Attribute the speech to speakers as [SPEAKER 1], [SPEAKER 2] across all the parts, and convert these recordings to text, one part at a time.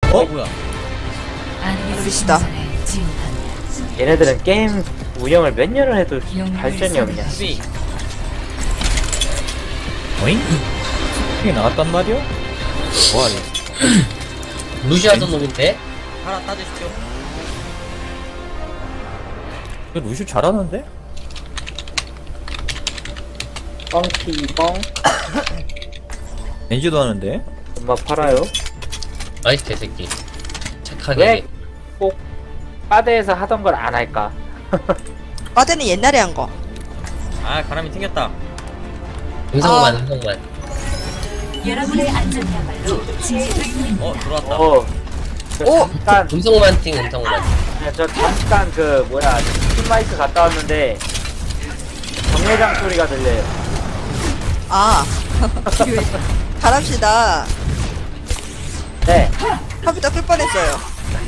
[SPEAKER 1] 뭐야?
[SPEAKER 2] 루시다.
[SPEAKER 3] 얘네들은 게임 운영을 몇 년을 해도 발전이 없냐.
[SPEAKER 1] 수비.
[SPEAKER 4] 어잉? 이게 나갔단 말이야? 뭐하니?
[SPEAKER 5] 루시하던 놈인데?
[SPEAKER 1] 하나 따주십시오.
[SPEAKER 4] 루시 잘하는데?
[SPEAKER 3] 뻥튀 뻥.
[SPEAKER 4] 렌지도 하는데?
[SPEAKER 3] 엄마 팔아요.
[SPEAKER 5] 나이스 개새끼. 착하게.
[SPEAKER 3] 왜 꼭 빠데에서 하던 걸 안 할까?
[SPEAKER 2] 빠데는 옛날에 한 거.
[SPEAKER 1] 아 가람이 튕겼다.
[SPEAKER 5] 음성만
[SPEAKER 2] 아.
[SPEAKER 5] 음성만.
[SPEAKER 6] 여러분의 안전이야말로 제 의무입니다.
[SPEAKER 1] 들어왔다.
[SPEAKER 2] 오!
[SPEAKER 3] 잠깐,
[SPEAKER 5] 음성만 띵 음성만.
[SPEAKER 3] 저 잠깐 팀마이크 갔다 왔는데 정례장 소리가 들려요.
[SPEAKER 2] 아. 가랍시다.
[SPEAKER 3] 네.
[SPEAKER 2] 컴퓨터 끌 뻔했어요.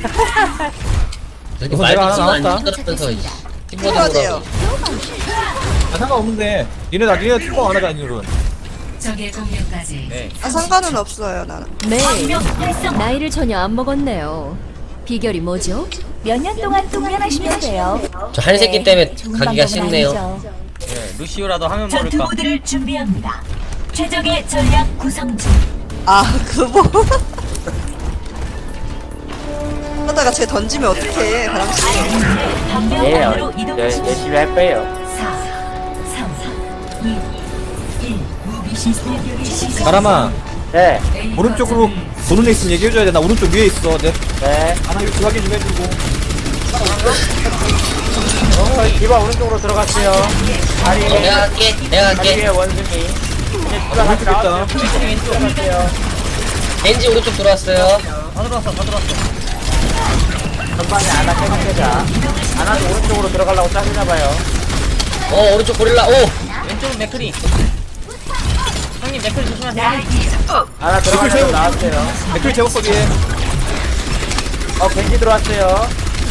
[SPEAKER 5] 저렇게
[SPEAKER 4] 우선 내가
[SPEAKER 5] 말도
[SPEAKER 4] 하나
[SPEAKER 5] 안
[SPEAKER 4] 나왔다.
[SPEAKER 5] 시끄럽면서
[SPEAKER 2] 필요하대요.
[SPEAKER 5] 팀보드로
[SPEAKER 4] 아, 상관없는데. 니네 팀버 안 하자, 니들은.
[SPEAKER 6] 적의 공격까지
[SPEAKER 1] 네.
[SPEAKER 2] 아, 상관은 없어요, 나는.
[SPEAKER 7] 네,
[SPEAKER 6] 방역 활성.
[SPEAKER 7] 나이를 전혀 안 먹었네요. 비결이 뭐죠?
[SPEAKER 6] 몇 년 동안 동면하시면 돼요.
[SPEAKER 5] 저 한 새끼 때문에 가기가 쉽네요.
[SPEAKER 1] 네. 루시오라도 하면
[SPEAKER 6] 전투
[SPEAKER 1] 모를까.
[SPEAKER 6] 모드를 준비합니다. 최적의 전략 구성 중.
[SPEAKER 2] 아, 그거. 하다가 쟤 던지면 어떡해, 가람씨.
[SPEAKER 6] 방역
[SPEAKER 3] 예,
[SPEAKER 6] 안으로 이동하십시오.
[SPEAKER 3] 열심히 할 거예요.
[SPEAKER 6] 4, 3, 2, 1. 무기 시스템 시작.
[SPEAKER 4] 가람아,
[SPEAKER 3] 네.
[SPEAKER 4] 오른쪽으로 도는 애 있으면 얘기해줘야 돼. 나 오른쪽 위에 있어. 내
[SPEAKER 3] 네.
[SPEAKER 4] 하나 이렇게 확인 좀 해주고.
[SPEAKER 3] 디바 오른쪽으로 들어갔어요. 다리
[SPEAKER 5] 내가 갈게. 내가
[SPEAKER 3] 다리 위에
[SPEAKER 5] 갈게.
[SPEAKER 3] 원숭이. 이제 디바 같이 나왔어요. 들어갔어요.
[SPEAKER 5] 겐지 오른쪽 들어왔어요.
[SPEAKER 1] 다 들어왔어.
[SPEAKER 3] 전방에 아나 깨끗해자. 아나도 오른쪽으로 들어가려고 짜증나봐요.
[SPEAKER 5] 오른쪽 고릴라. 오.
[SPEAKER 1] 왼쪽은 맥크리. 형님 맥크리 조심하세요.
[SPEAKER 3] 아나 들어가려고 나왔어요.
[SPEAKER 4] 댓글 제목 뒤에.
[SPEAKER 3] 벤지 들어왔어요.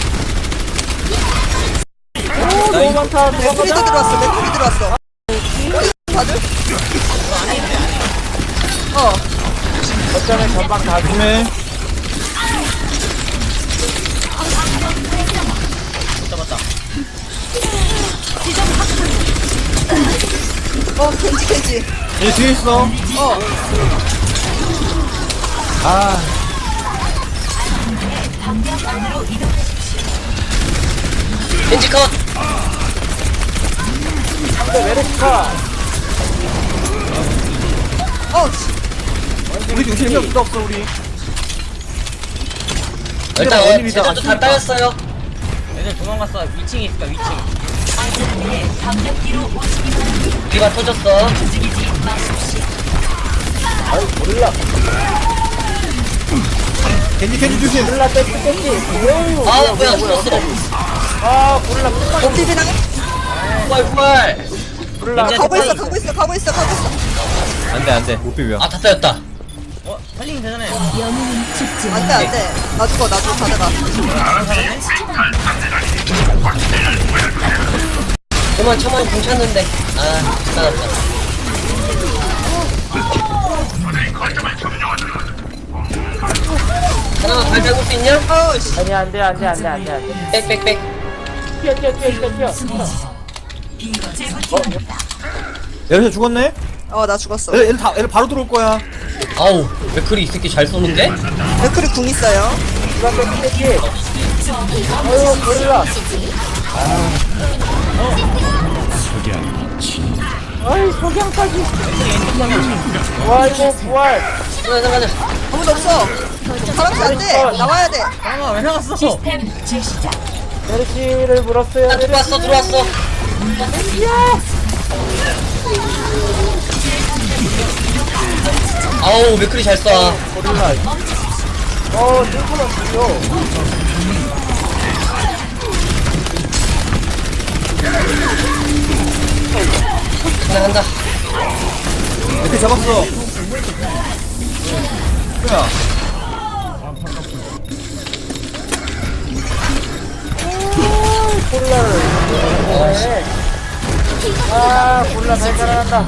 [SPEAKER 3] 오, 너무 많다.
[SPEAKER 2] 맥풀이도 들어왔어, 맥풀이 들어왔어. 다들?
[SPEAKER 3] 어쩌면 전방 다
[SPEAKER 4] 조심해.
[SPEAKER 1] 잡았다.
[SPEAKER 2] 겐지.
[SPEAKER 4] 얘 뒤에 있어. 아,
[SPEAKER 5] 겐지 컷.
[SPEAKER 3] 상대 메르시카.
[SPEAKER 4] 우리 지금 실명 수도 없어, 우리.
[SPEAKER 5] 일단
[SPEAKER 4] 원일이다.
[SPEAKER 5] 제작도 다 따였어요.
[SPEAKER 1] 애들 도망갔어. 위층에 있을까 위층.
[SPEAKER 6] 방역기로 오시기 바랍니다.
[SPEAKER 5] 뒤가 터졌어.
[SPEAKER 6] 움직이지 마십시오.
[SPEAKER 3] 아유, 몰라.
[SPEAKER 4] 겐지 조심.
[SPEAKER 3] 몰라, 떼지.
[SPEAKER 5] 아 뭐야 죽었어.
[SPEAKER 3] 아, 몰라.
[SPEAKER 2] 옥티비랑
[SPEAKER 5] 부활.
[SPEAKER 3] 몰라.
[SPEAKER 2] 가고 있어.
[SPEAKER 4] 안 돼. 못 비벼.
[SPEAKER 5] 아 다 따였다.
[SPEAKER 1] 살리면 되잖아요.
[SPEAKER 7] 영웅은 죽지
[SPEAKER 2] 안 돼, 안 돼. 나 죽어, 가다가.
[SPEAKER 5] 저만 괜찮는데. 아 따랐다. 하나 발 잡을 수 있냐?
[SPEAKER 3] 아니, 안 돼.
[SPEAKER 5] 빽빽빽.
[SPEAKER 3] 뛰어.
[SPEAKER 4] 얘네 죽었네?
[SPEAKER 2] 나 죽었어.
[SPEAKER 4] 얘들 바로 들어올 거야.
[SPEAKER 5] 아우 맥클이 이 새끼 잘 쏘는데?
[SPEAKER 2] 맥풀이 궁 있어요.
[SPEAKER 3] 디바 떼지. 아유, 몰라. 아이, 석양까지. 와, 이거 부활.
[SPEAKER 5] 가자.
[SPEAKER 2] 아무도 없어. 가람씨 안 돼. 나와야 돼.
[SPEAKER 1] 잠깐만 왜 나갔어?
[SPEAKER 6] 시스템 재시작.
[SPEAKER 3] 메르시를 물었어요.
[SPEAKER 5] 나 들어왔어. 아우 맥클이 잘 쏴.
[SPEAKER 3] 고릴라. 뜬금없어.
[SPEAKER 5] 간다.
[SPEAKER 4] 이렇게 잡았어. 뭐야?
[SPEAKER 3] 골라 잘 살아난다.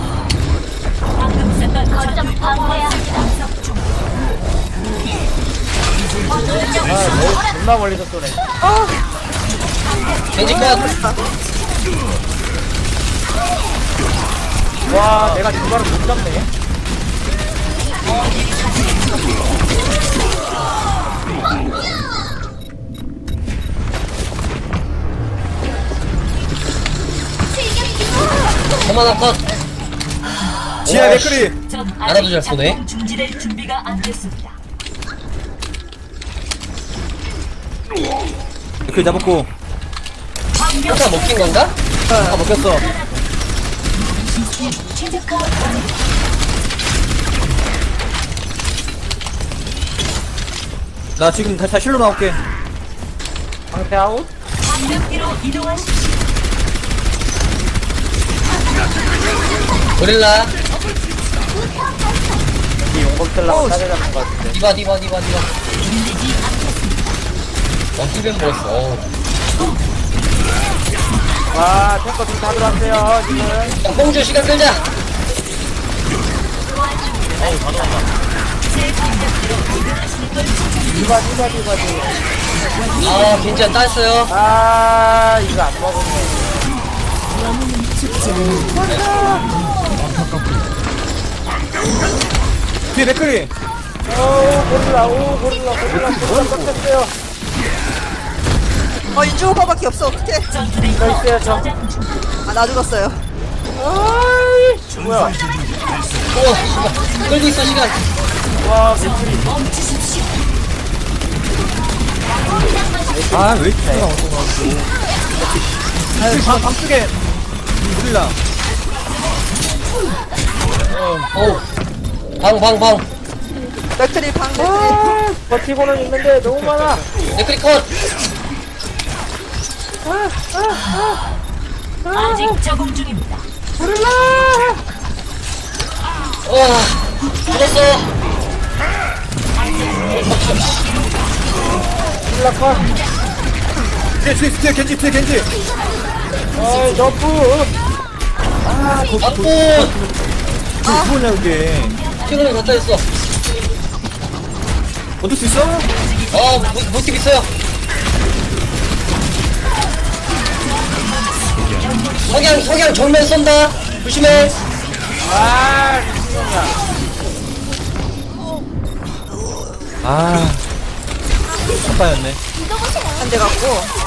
[SPEAKER 6] 방금 썼던 거점 방어해야 합니다.
[SPEAKER 3] 존나 멀리서 쏘네.
[SPEAKER 5] 겐지 컷.
[SPEAKER 3] 와, 내가 주바를 못 잡네.
[SPEAKER 5] 하나 컷.
[SPEAKER 4] 지하 맥크리.
[SPEAKER 5] 하나도 잘 쏘네.
[SPEAKER 6] 중지될 준비가 안 됐습니다.
[SPEAKER 4] 맥크리 잡았고.
[SPEAKER 5] 혼자 먹힌 건가?
[SPEAKER 4] 아, 먹혔어.
[SPEAKER 6] 최적화
[SPEAKER 4] 나 지금 다시 실로 나올게.
[SPEAKER 3] 상태 아웃?
[SPEAKER 6] 방벽기로 이동하십시오.
[SPEAKER 5] 고릴라.
[SPEAKER 3] 이 용검 쓰려고 따라잡는 것 같은데.
[SPEAKER 5] 디바. 힐벤 먹었어.
[SPEAKER 3] 와, 탱커 지금 다 들어왔어요, 지금.
[SPEAKER 5] 야, 뽕주 시간 끌자.
[SPEAKER 1] 어우 다 들어간다.
[SPEAKER 3] 디바.
[SPEAKER 5] 아, 겐지가 땄어요.
[SPEAKER 3] 아, 이거 안 먹었네.
[SPEAKER 4] 뒤에 맥크리.
[SPEAKER 3] 고릴라 꺾였어요.
[SPEAKER 2] 인주 오빠밖에 없어. 어떡해.
[SPEAKER 3] 저 있어요, 저.
[SPEAKER 2] 아, 나 죽었어요.
[SPEAKER 3] 뭐야?
[SPEAKER 5] 오, 씨발. 끌고 있어, 시간.
[SPEAKER 3] 와, 맥크리.
[SPEAKER 4] 아, 왜 이렇게 나와? 방쪽에 고릴라.
[SPEAKER 5] 어우. 방.
[SPEAKER 2] 맥트리 방 맥트리.
[SPEAKER 3] 버티고는 있는데 너무 많아.
[SPEAKER 5] 네크리 컷.
[SPEAKER 6] 아직 적응 중입니다.
[SPEAKER 5] 와, 죽었어.
[SPEAKER 4] 뒤에 겐지.
[SPEAKER 3] 어이, 너프.
[SPEAKER 5] 아프.
[SPEAKER 4] 뭐냐 이게?
[SPEAKER 5] 킬러를 갖다 줬어.
[SPEAKER 4] 얻을 수 있어?
[SPEAKER 5] 모티브 있어요. 석양 정면 쏜다. 조심해.
[SPEAKER 4] 아빠였네.
[SPEAKER 2] 한 대 갖고.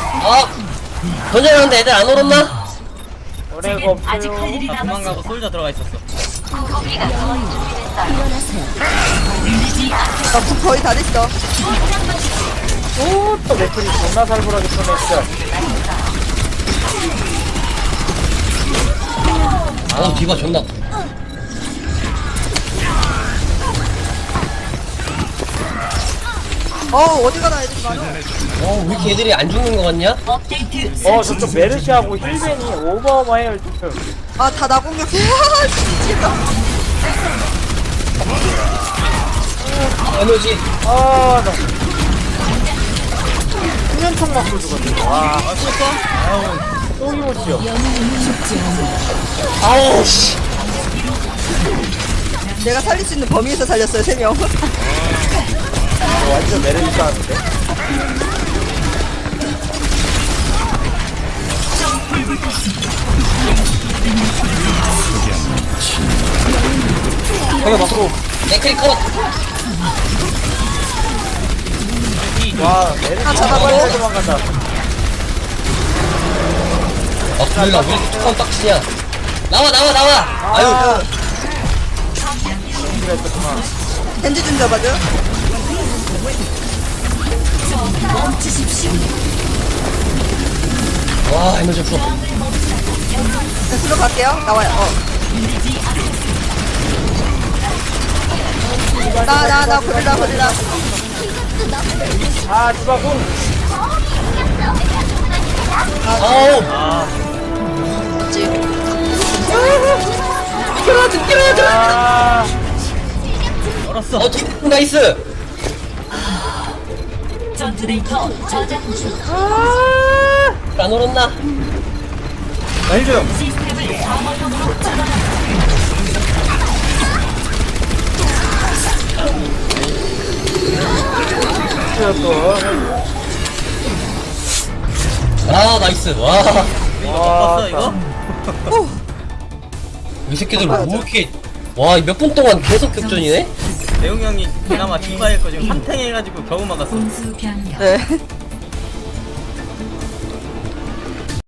[SPEAKER 5] 던져놨는데 애들 안 얼었나?
[SPEAKER 3] 오래가
[SPEAKER 6] 아직 할
[SPEAKER 3] 없어요.
[SPEAKER 6] 일이
[SPEAKER 1] 나 도망가고
[SPEAKER 6] 남았습니다.
[SPEAKER 1] 솔져 들어가 있었어.
[SPEAKER 2] 나국 거의 다 됐어.
[SPEAKER 3] 오, 또 맥크리 존나 살벌하게 쏘네, 진짜.
[SPEAKER 5] 디바 존나.
[SPEAKER 2] 어디 가나 애들이 많아.
[SPEAKER 5] 왜 이렇게 애들이 안 죽는 거 같냐?
[SPEAKER 6] 업데이트
[SPEAKER 3] 저쪽 메르시하고 힐벤이 어마어마해요, 지금.
[SPEAKER 2] 아, 다 나 공격해. 미치겠다.
[SPEAKER 5] 에너지.
[SPEAKER 3] 나. 수면총 맞고 죽었네. 와, 또 이모지요.
[SPEAKER 5] 아우, 씨.
[SPEAKER 2] 내가 살릴 수 있는 범위에서 살렸어요, 3명.
[SPEAKER 3] 완전 메르시 싸는데.
[SPEAKER 4] 내가 막고.
[SPEAKER 5] 네크리 컷.
[SPEAKER 3] 와, 메르시
[SPEAKER 2] 아,
[SPEAKER 3] 잡아버려 도망간다.
[SPEAKER 5] 고릴라 왜 이렇게 툭하면 빡치냐? 나와. 아유.
[SPEAKER 2] 겐지 좀 잡아줘.
[SPEAKER 5] 와, 에너지 없어.
[SPEAKER 2] 수로 갈게요. 나와요. 나 고릴라.
[SPEAKER 3] 디바군.
[SPEAKER 5] 아우.
[SPEAKER 1] 얼었어.
[SPEAKER 5] 나이스.
[SPEAKER 6] 전투 데이터 저장 중.
[SPEAKER 5] 안 얼었나?
[SPEAKER 4] 나 힐좀.
[SPEAKER 6] 시스템을 방어용으로 전환합니다.
[SPEAKER 3] 나이스 또.
[SPEAKER 5] 아 나이스. 와.
[SPEAKER 1] 이거 먹었어 이거?
[SPEAKER 5] 이 새끼들 뭐 이렇게 와 몇 분 동안 계속 격전이네?
[SPEAKER 1] 대웅 형이 그나마 디바의 거 지금 3탱 해가지고 겨우 막았어.
[SPEAKER 6] 공수 변경.
[SPEAKER 2] 네.